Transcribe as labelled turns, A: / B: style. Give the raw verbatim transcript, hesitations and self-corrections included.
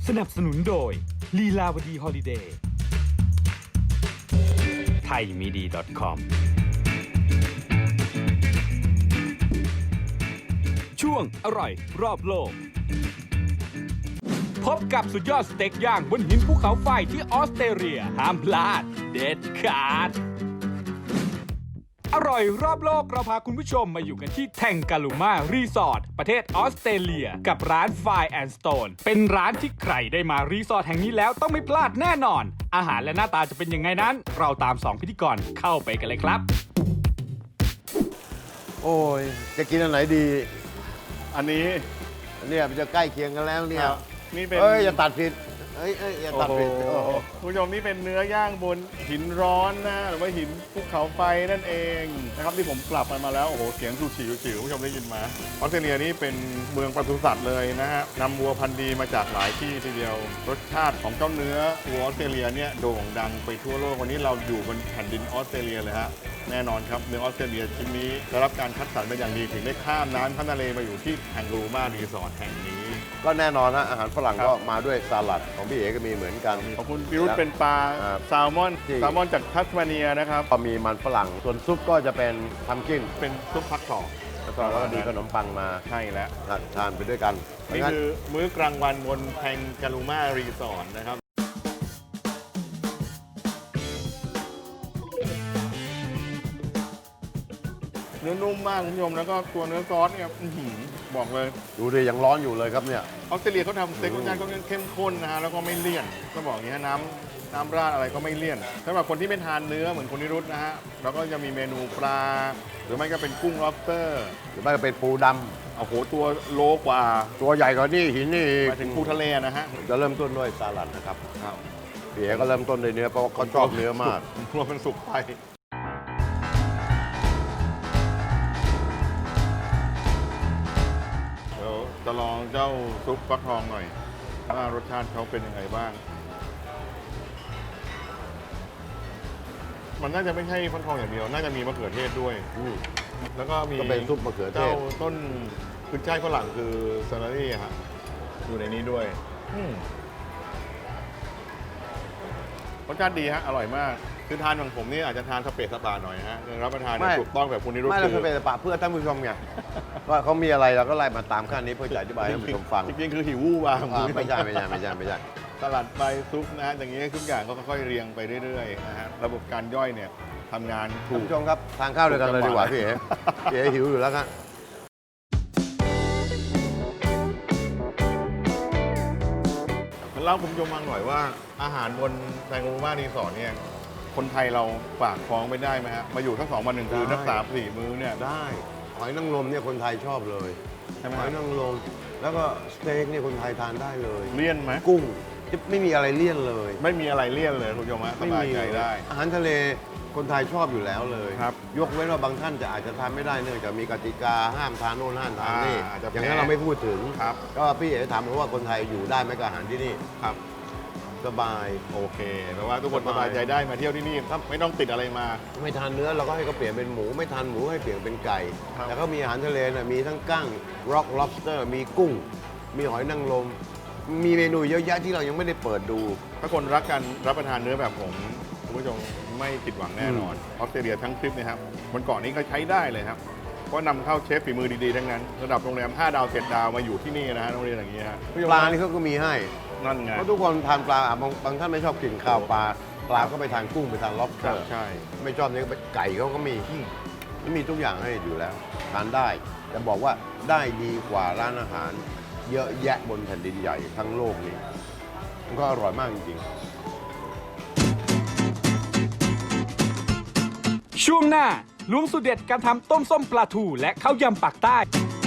A: สนับสนุนโดยลีลาวดีฮอลิเดย์ไทยมีดี .com ช่วงอร่อยรอบโลกพบกับสุดยอดสเต็กย่างบนหินภูเขาไฟที่ออสเตรเลียห้ามพลาดเด็ดขาดอร่อยรอบโลกเราพาคุณผู้ชมมาอยู่กันที่แทงกาลูมารีสอร์ทประเทศออสเตรเลียกับร้าน Fire and Stone เป็นร้านที่ใครได้มารีสอร์ทแห่งนี้แล้วต้องไม่พลาดแน่นอนอาหารและหน้าตาจะเป็นยังไงนั้นเราตามสองพิธีกรเข้าไปกันเลยครับ
B: โอ้ยจะกินอันไหนดี
C: อันนี้
B: เนี่ยมันจะใกล้เคียงกันแล้วเนี่ย
C: นี่เป็น
B: เอ้ยอย่าตัดผิดเอ้ยเอ้ยอย่าตัดผิด
C: โอ้
B: โอ้
C: โห
B: โห
C: คุณผู้ชมนี่เป็นเนื้อย่างบนหินร้อนนะหรือว่าหินภูเขาไฟนั่นเองนะครับที่ผมกลับไปมาแล้วโอ้โหเสียงสูฉิวฉิวคุณผู้ชมได้ยินมาออสเตรเลียนี่เป็นเมืองปศุสัตว์เลยนะฮะนำวัวพันธุ์ดีมาจากหลายที่ทีเดียวรสชาติของเจ้าเนื้อวัวออสเตรเลียเนี่ยโด่งดังไปทั่วโลกวันนี้เราอยู่บนแผ่นดินออสเตรเลียเลยฮะแน่นอนครับเนื้อออสเตรเลียชิ้นนี้ได้รับการคัดสรรเป็นอย่างดีถึงได้ข้ามน้ำข้ามทะเลมาอยู่ที่แองกลูมารีสอร์ทแห่งนี้
B: ก็แน่นอนนะอาหารฝรั่ง
C: ครับ
B: ก็มาด้วยสลัดของพี่เอ๋ก็มีเหมือนกัน
C: ขอบคุณพิรุธเป็นปลา
B: อ่า
C: แซลมอน
B: ที่
C: แซลมอนจากทัสมาเนียนะครับ
B: ก็มีมันฝรั่งส่วนซุปก็จะเป็นทัมกิ้น
C: เป็นซุปฟักทอง
B: แล้วก็แล้วก็มีขนมปังมา
C: ใช่แล้ว
B: ทานไปด้วยกัน
C: นี่
B: งั้น
C: คือมื้อกลางวันบนแทงกาลูมารีสอร์ทนะครับเนื้อนุ่มมากคุณผู้ชมแล้วก็ตัวเนื้อซอสเนี่ยอื้อหือบอกเลย
B: ดูดิยังร้อนอยู่เลยครับเนี่ย
C: ออสเตรเลียเขาทำสเต็กรสชาติก็เข้มข้นนะฮะแล้วก็ไม่เลี่ยนก็บอกอย่างนี้ฮะน้ำน้ำราดอะไรก็ไม่เลี่ยนสำหรับคนที่ไม่ทานเนื้อเหมือนคนนิรุตนะฮะเราก็จะมีเมนูปลา หรือไม่ก็เป็นกุ้ง lobster
B: หรือไม่ก็เป็นปูดำ
C: โอ้โหตัวโลกว่า
B: ตัวใหญ่กว่านี่หินนี่อีก
C: มาถึงปูทะเลนะฮะ
B: จะเริ่มต้นด้วยสลัดนะครับ
C: ครับ
B: พี่เอ๋ก็เริ่มต้นด้วยเนื้อเพราะว่าเขาชอบเนื้อมาก
C: รวมเป็นสุกไปเดี๋ยวจะลองเจ้าซุปฟักทองหน่อยว่ารสชาติเขาเป็นยังไงบ้าง มันน่าจะไม่ใช่ฟักทองอย่างเดียว น่าจะมีมะเขือเทศด้วย
B: อืม
C: แล้วก็มี
B: ก็เป็นซุปมะเขือเทศ
C: เจ้าต้นขึ้นช่ายฝรั่งคือซาลารี่ฮะอยู่ในนี้ด้วยอืมรสชาติดีฮะ อร่อยมาก คือทานของผมนี่อาจจะทานสเปซสปาหน่อยฮะรับประทานเนี่ยถูกต้องแบบคุณนิรุต
B: ไม่
C: คื
B: เราเป็นปะเพื่อท่านผู้ชมไง ว่าเขามีอะไรเราก็ไล่มาตามขั้นนี้เพื่อจะอธิบายให้ท่านผู้ชมฟัง
C: จริงๆคือหิววู่วาง
B: อ่าไม่ใช่ไม่ใช่ไม่ใช่ไม่ใช่
C: สลัดใบซุปนะฮะอย่างนี้ทุกอย่างก็ค่อยๆเรียงไปเรื่อยๆนะฮะระบบการย่อยเนี่ยทำงานถู
B: ท่าน
C: ก
B: ผู้ชมครับทานข้าวด้วยกันเลยดีกว่าพี่เอ๋พี่เอ๋หิวอยู่แล้วครับ
C: เล่าคุณผู้ชมฟังหน่อยว่าอาหารบนแซงโรมารีสอร์ทเนี่ยคนไทยเราฝากท้องไปได้ไหมฮะมาอยู่ทั้งสองวันหนึ่งคืน
B: ได้
C: ทั้งสามสี่มื้อเนี่ย
B: ได้หอยนางรมเนี่ยคนไทยชอบเลย
C: ใช่ไหม
B: หอยนางรมแล้วก็สเต็กเนี่ยคนไทยทานได้เลย
C: เลี่ยนไหม
B: กุ้งไม่มีอะไรเลี่ยนเลย
C: ไม่มีอะไรเลี่ยนเลยคุณผู้ชมฮะสบายใจได้
B: อาหารทะเลคนไทยชอบอยู่แล้วเลย
C: ครับ
B: ยกเว้นว่าบางท่านจะอาจจะทานไม่ได้เนื่องจากมีกติกาห้ามทานโน่นห้ามทานนี่
C: อ่าอาจจะ
B: อย่างนั้น
C: แพ้
B: เราไม่พูดถึง
C: ครับ
B: ก็พี่เอ๋ถามผมว่าคนไทยอยู่ได้ไหมกับอาหารที่นี่
C: ครับ
B: สบาย
C: โอเคแปลว่าทุกคน
B: ส
C: ส
B: บาย
C: บายใจได้มาเที่ยวที่นี่ครับไม่ต้องติดอะไรมา
B: ไม่ทานเนื้อเราก็ให้เขาเปลี่ยนเป็นหมู ไม่ทานหมูให้เปลี่ยนเป็นไก่
C: ครับ
B: แล้วก็มีอาหารทะเลนะมีทั้งกั้ง rock lobster มีกุ้ง มีหอยนางรมมีเมนูเยอะแยะที่เรายังไม่ได้เปิดดู
C: ถ้าคนรักกันรับประทานเนื้อแบบผมคุณผู้ชมไม่ผิดหวังแน่นอนออสเตรเลียทั้งทริปเนะครับบนเกาะนี้ก็ใช้ได้เลยครับเพราะนำเข้าเชฟฝีมือดีๆทั้งนั้นระดับโรงแรมห้าดาวเจ็ดดาวมาอยู่ที่นี่นะฮะโรงเรียนอย่างนี้ฮะ
B: ปลานี่เขาก็มีให้
C: นั่นไง
B: เพราะทุกคนทานปลาอ่ะบางบางท่านไม่ชอบกินข้าวปลา ปลาก็ไปทานกุ้งไปทาน
C: ใช่
B: lobster
C: ใช่
B: ไม่ชอบนี่ก็ไปไก่เขาก็มีมีทุกอย่างให้อยู่แล้ว ทานได้แต่บอกว่าได้ดีกว่าร้านอาหาร เยอะแยะบนแผ่นดินใหญ่ทั้งโลกนี้มันก็อร่อยมากจริงๆ
A: ช่วงหน้าล้วงสูตรเด็ดการทำต้มส้มปลาทูและข้าวยำปากใต้